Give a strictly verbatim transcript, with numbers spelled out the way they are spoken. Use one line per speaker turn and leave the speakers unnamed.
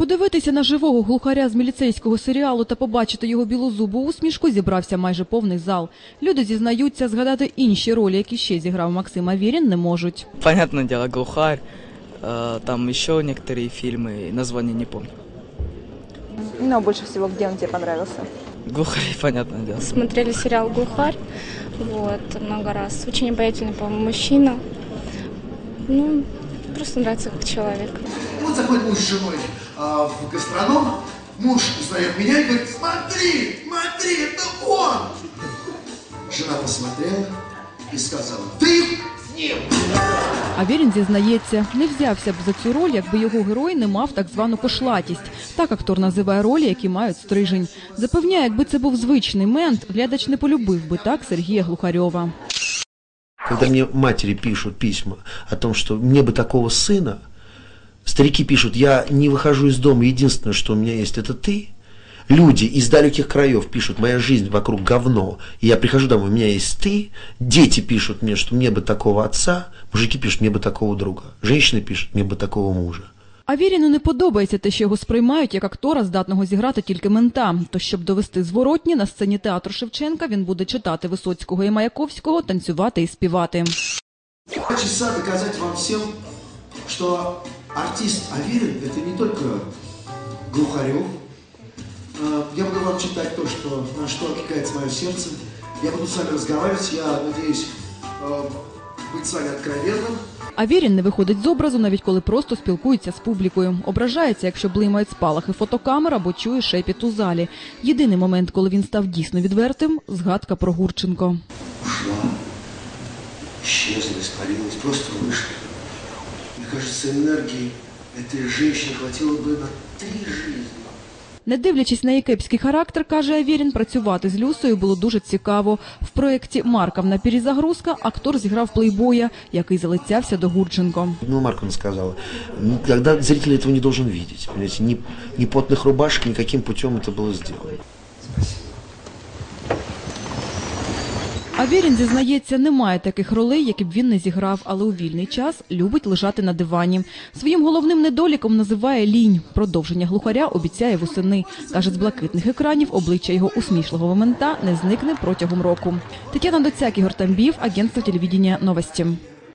Подивитися на живого глухаря з міліцейського серіалу та побачити його білозубу усмішку зібрався майже повний зал. Люди зізнаються, згадати інші ролі, які ще зіграв Максим Аверин, не можуть.
Понятное дело, глухарь, там еще некоторые фильмы, названия не помню.
Но больше всего, где он тебе понравился?
Глухарь, понятное дело.
Смотрели сериал «Глухарь», вот, много раз. Очень обаятельный, по-моему, мужчина. Ну, просто нравится как человек.
Вот заходит муж с женой а, в гастроном, муж узнает меня и говорит: смотри, смотри, это он! Жена посмотрела и сказала: ты с ним!
Аверин зізнається, не взявся б за цю роль, якби його герой не мав так звану кошлатість. Так актор називає ролі, які мають стрижень. Запевняє, якби це був звичний мент, глядач не полюбив би так Сергія Глухарьова.
Когда мне матери пишут письма о том, что мне бы такого сына, старики пишут: я не выхожу из дома, единственное, что у меня есть, это ты. Люди из далеких краев пишут: моя жизнь вокруг говно, и я прихожу домой, у меня есть ты. Дети пишут мне, что мне бы такого отца, мужики пишут: мне бы такого друга, женщины пишут: мне бы такого мужа.
Аверину не подобається те, що його сприймають як актора, здатного зіграти тільки мента. То, щоб довести зворотні, на сцені театру Шевченка він буде читати Висоцького і Маяковського, танцювати і співати.
Хочется доказать вам всем, что артист Аверин – это не только Глухарев. Я буду вам читать то, что, на что откликается мое сердце. Я буду с вами разговаривать, я надеюсь быть с вами откровенным.
Аверин не виходить з образу, навіть коли просто спілкується з публікою. Ображається, якщо блимають спалахи фотокамер або чує шепіт у залі. Єдиний момент, коли він став дійсно відвертим – згадка про Гурченко.
Ушла, исчезла, испарилась, просто вышла. Мне кажется, энергии этой женщины хватило бы на три жизни.
Не дивлячись на її кепський характер, каже Аверин, працювати з Люсею було дуже цікаво. В проєкті «Марковна перезагрузка» актор зіграв плейбоя, який залицявся до Гурченко.
Ну, Марковна сказала: когда зритель этого не должен видеть. Понимаете, ни, ни потных рубашек, никаким путем это было сделано.
Аверин зізнається, немає таких ролей, які б він не зіграв, але у вільний час любить лежати на дивані. Своїм головним недоліком називає лінь. Продовження Глухаря обіцяє восени. Каже, з блакитних екранів обличчя його усмішливого мента не зникне протягом року. Тетяна Доцяк, Ігор Тамбів, агентство телевидения «Новості».